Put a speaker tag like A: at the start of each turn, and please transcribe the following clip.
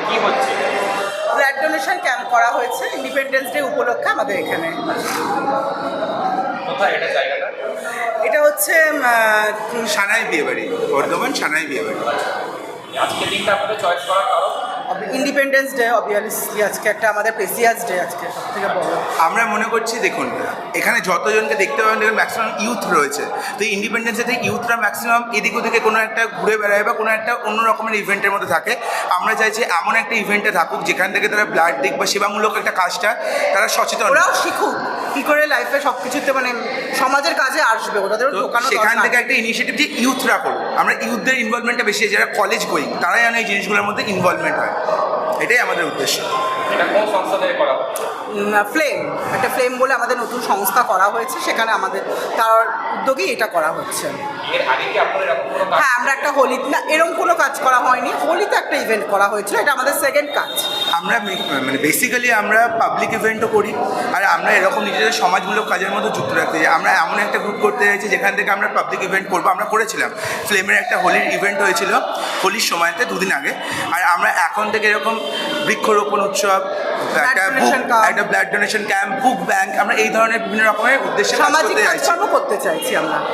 A: কি হচ্ছে?
B: Blood donation camp করা হয়েছে ইন্ডিপেন্ডেন্স ডে উপলক্ষে আমাদের এখানে।
A: কোথায় এটা জায়গাটা?
B: এটা হচ্ছে
C: সানাই বিয়েবাড়ি, বর্ধমান সানাই বিয়েবাড়ি।
A: আজকে দিনটা আপনাদের চয়েস করার কারণ?
B: ইন্ডিপেন্ডেন্স ডে অবভিয়াসলি আজকে একটা আমাদের প্রেসিয়াস ডে আজকে সব থেকে বড়।
C: আমরা মনে করছি দেখুন এখানে যতজনকে দেখতে পাবেন দেখুন ম্যাক্সিমাম ইউথ রয়েছে, তো এই ইন্ডিপেন্ডেন্স ডেতে ইউথরা ম্যাক্সিমাম এদিক ওদিকে কোনো একটা ঘুরে বেড়ায় বা কোনো একটা অন্য রকমের ইভেন্টের মধ্যে থাকে। আমরা চাইছি এমন একটা ইভেন্টে থাকুক যেখান থেকে তারা ব্লাড দিক বা সেবামূলক একটা কাজটা তারা সচেতন,
B: ওরাও শিখুক কী করে লাইফে সব কিছুতে মানে সমাজের কাজে আসবে, ওদেরও
C: তো
B: ঢোকানো
C: সেখান
B: দরকার।
C: থেকে একটা ইনিশিয়েটিভ যে ইউথরা করুক, আমরা ইউথদের ইনভলভমেন্টটা বেশি, যারা কলেজ গোয়িং তারাই যেন এই জিনিসগুলোর মধ্যে ইনভলভমেন্ট হয়, এটাই আমাদের উদ্দেশ্য।
A: এটা কোন সংস্থা থেকে করা হচ্ছে?
B: ফ্লেম, একটা ফ্লেম বলে আমাদের নতুন সংস্থা করা হয়েছে, সেখানে আমাদের তার উদ্যোগেই এটা করা হচ্ছে।
A: এর আগে কি আপনাদের এরকম কোনো কাজ?
B: হ্যাঁ, আমরা একটা হোলি না এরকম কোনো কাজ করা হয়নি, হোলিতে একটা ইভেন্ট করা হয়েছিল, এটা আমাদের সেকেন্ড কাজ।
C: আমরা মানে বেসিক্যালি আমরা পাবলিক ইভেন্টও করি, আর আমরা এরকম নিজেদের সমাজমূলক কাজের মধ্যে যুক্ত রাখতে চাই। আমরা এমন একটা গ্রুপ করতে চাইছি যেখান থেকে আমরা পাবলিক ইভেন্ট করবো। আমরা করেছিলাম ফ্লেমের একটা হোলির ইভেন্ট হয়েছিল হোলির সময়তে দুদিন আগে, আর আমরা এখন থেকে এরকম বৃক্ষরোপণ উৎসব, একটা blood donation camp, book bank, আমরা এই ধরনের বিভিন্ন রকমের উদ্দেশ্যে কাজ
B: সামাজিক
C: করতে চাইছি।
B: কাজকর্ম করতে চাইছি আমরা।